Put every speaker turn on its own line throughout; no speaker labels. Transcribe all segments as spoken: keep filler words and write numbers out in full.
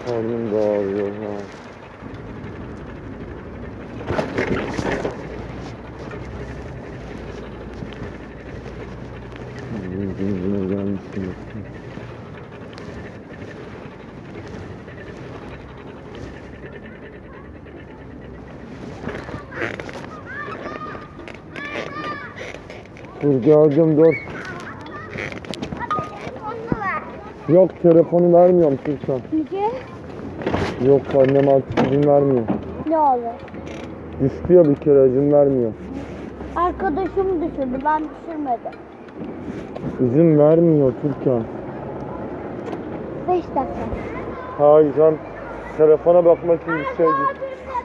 Karnım da ağrıyor ha. Yüzüne gelmişsin. Dur geldim dur. Yok telefonu vermiyorum Türkan.
Niye?
Yok annem artık izin vermiyor.
Ne olur?
Düştü ya bir kere izin vermiyor.
Arkadaşım düşürdü, ben düşürmedim.
İzin vermiyor Türkan.
Beş dakika.
Hayır sen telefona bakmak için bir şey değil.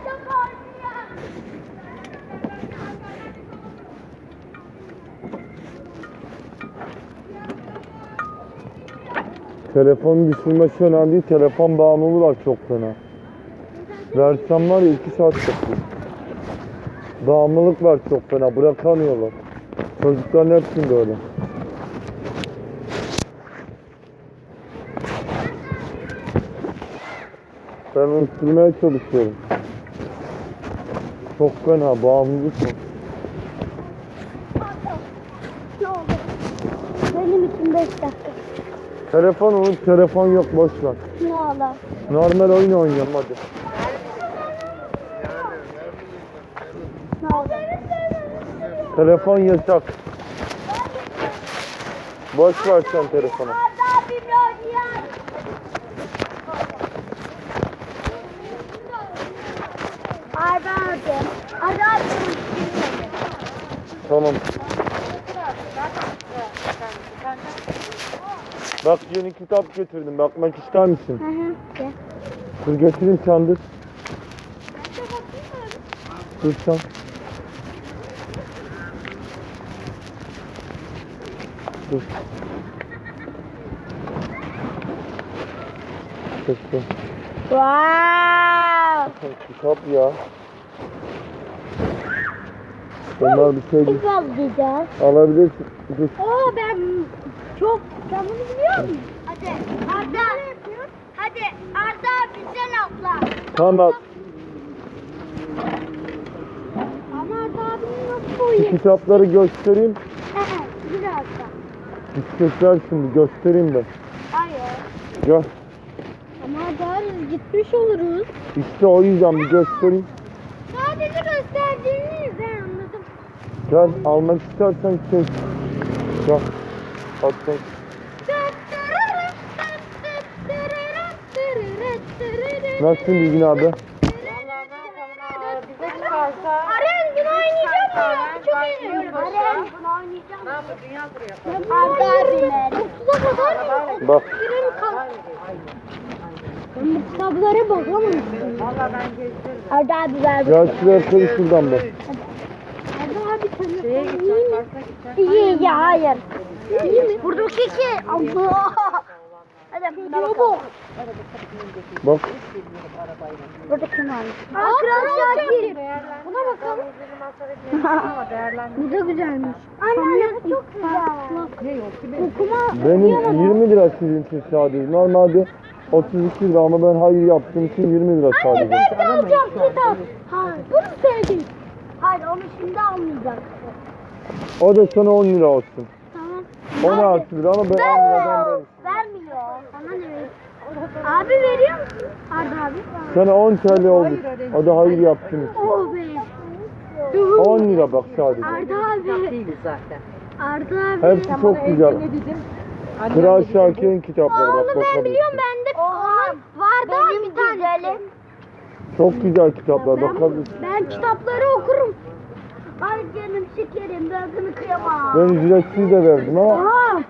Telefonu düşürmesi önemli değil. Telefon bağımlılığı var çok fena. Versem var ya iki saat yapıyor. Bağımlılık var çok fena. Bırakamıyorlar. Çocukların hepsinde öyle. Ben unutturmaya çalışıyorum. Çok fena bağımlılık var.
Ne olur? Benim için beş dakika.
Telefon unut, telefon yok boş ver.
Ne olur?
Normal oyun oynayalım hadi.
Ne olur?
Telefon yasak. Boş ver sen telefonu.
Arda abi. Arda abi.
Tamam. Bak yeni kitap getirdim. Bakmak ister misin?
Hı hı. Gel.
Dur getireyim sen dur. Dur sen. Dur. Bekle.
Wow.
Kitap ya. Bunlar bir şey değil.
Biz alacağız.
Alabilirsin. Dur.
Oo ben çok sen bunu biliyor musun? Hadi Arda. Hadi Arda abi sen atla.
Tamam.
Ama Arda abinin nasıl
Şu
boyu?
kitapları göstereyim.
Bir dakika.
Bisikletler şimdi göstereyim ben.
Hayır.
Gel.
Ama Arda abi gitmiş oluruz.
İşte o yüzden bir göstereyim.
Sadece gösterdiğiniz ben anladım.
Gel almak istersen şey. Gel. Bak sen. Nasılsın Bilgin abi?
Vallahi ne yapalım abi, bize çıkarsa
Aren gün oynayacağım mı? Çok
Bak,
eğleniyorum.
yılbaşı.
Aren gün oynayacağım
ne
mı?
yapalım, dünya turu yapalım.
Arda abiler. otuza kadar mı?
Bak.
Birim kalk. Ben bu kitaplara bakamıyorum.
Valla ben gezdiririm.
Arda abi ver.
Gel şuraya koy şuradan bak.
Arda abi tanıyor.
Şeye gideceğiz, parka gideceğiz.
İyi ya hayır. İyi mi? Buradaki iki. Allah. Hadi buna bakalım.
Bak.
Burada kim var? Aa, Kral Şakir. Buna bakalım.
Ama değerlendiririz.
Bu da güzelmiş. Anne bu çok güzel.
Ne yok ki
Okuma.
Benim yirmi lira sizin için sadece. Normalde otuz iki lira ama ben hayır yaptığım için yirmi lira
Anne
sadece.
ben de alacağım kitap. Hayır. Bunu sevdim. Hayır onu şimdi almayacak.
O da sana on lira olsun.
Tamam.
on altı lira ama ben on liradan
Vermiyor.
ben.
Vermiyor. Sana ne veriyor? Abi veriyor musun? Arda abi.
Sana on T L oldu. O da hayır yaptığım için.
Oh be.
on lira bak sadece.
Arda abi.
değiliz zaten.
Arda abi.
Hepsi çok güzel.
Ne dedim?
Kral Şakir'in kitapları bak
Onu ben biliyorum
bakabilirsin.
bende. Oha. Vardı bir tane.
Çok güzel kitaplar bakabilirsin.
Ben kitapları okurum. Ay canım şekerim ben kıyamam.
Ben ücretsiz de verdim ama
Aha.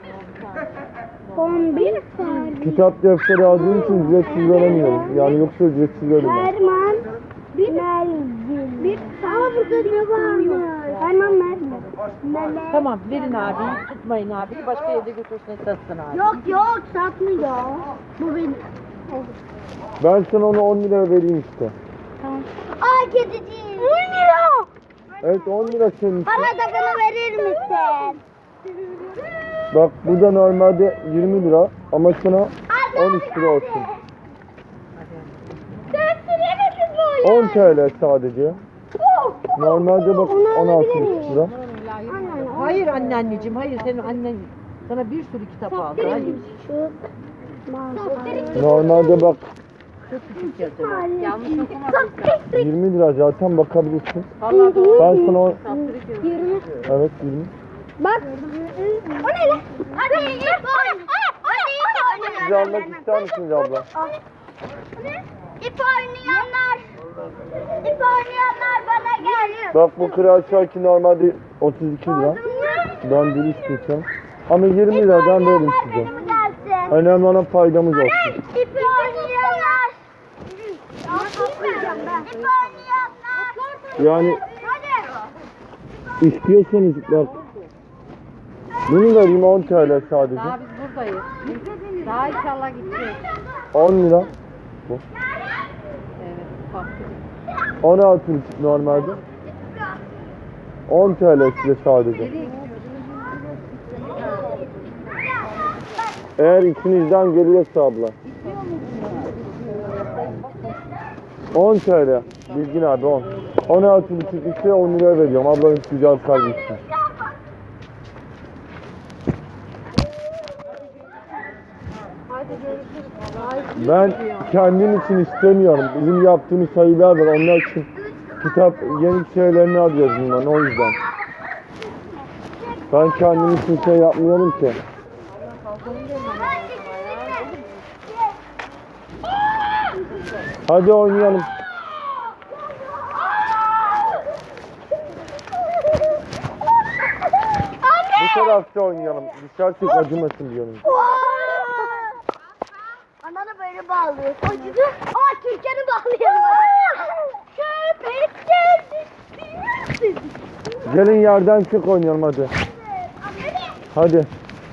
on bir Ferman.
kitap defteri aldığım için ücretsiz veremiyorum. Yani yoksa ücretsiz veririm.
Ferman. Bir Melvin. Bir Aa burada ne var? Ferman Melvin. Mehmet.
Tamam, verin abi, tutmayın abi. Başka yerde götürsün, satsın abi.
Yok yok satmıyor. Bu benim.
Ben sana onu on lira vereyim işte.
Tamam. Ay kediciğim. on lira.
Evet on lira senin için.
Bana da bunu verir misin?
Bak bu da normalde yirmi lira ama sana on üç lira olsun. on T L sadece. Normalde bak on altı buçuk lira.
Hayır anne anneciğim, hayır senin annen sana bir sürü kitap aldı. Hayır.
Normalde bak
Çok küçük yazıyor. Yanlış okuma.
yirmi lira zaten bakabilirsin.
Vallahi doğru.
Ben sana o...
Saptırık yazıyor.
yirmi.
Evet yirmi.
Bak. O ne lan? Hadi ip oyna. Hadi ip oyna.
Siz almak ister misiniz abla?
İp oynayanlar. İp oynayanlar bana gel.
Bak bu Kral Şarkı normalde otuz iki lira. Ben dürüstüm sen. Ama yirmi liradan veririm size.
Benim gelsin.
Önemli olan faydamız olsun.
İp oynayanlar. İp oynayanlar.
Yani
Hadi.
istiyorsanız bak. Bunu vereyim on T L sadece.
Daha biz buradayız. Daha inşallah gideceğiz.
on lira.
Evet. Saptırık.
on altı buçuk normalde. on T L size sadece.
Nereye gidiyorsun?
Eğer içinizden geliyorsa abla. on T L. Bilgin abi on. on altı buçuk ise on liraya veriyorum. Ablanın güzel kalbi için.
Hadi görüşürüz.
Ben kendim için istemiyorum. Bizim yaptığımız sayılar var. Onlar için kitap yeni şeylerini alıyoruz bundan. O yüzden. Ben kendim için şey yapmıyorum ki. Hadi oynayalım. Bu tarafta oynayalım. Dışarı çık acımasın diyorum.
Ananı böyle bağlıyor. Acıdı. Aa Türkan'ı bağlayalım. Köpek geldi.
Gelin yerden çık oynayalım hadi. Hadi.
Evet.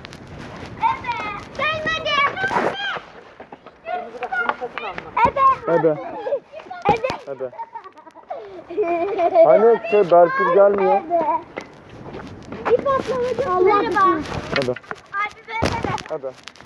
Gelmedi. Evet.
Ebe.
Evet.
Ebe. Hani şey Berfil gelmiyor.
İp atlamacı. Merhaba.
Hadi.
Abi ben de.
Hadi.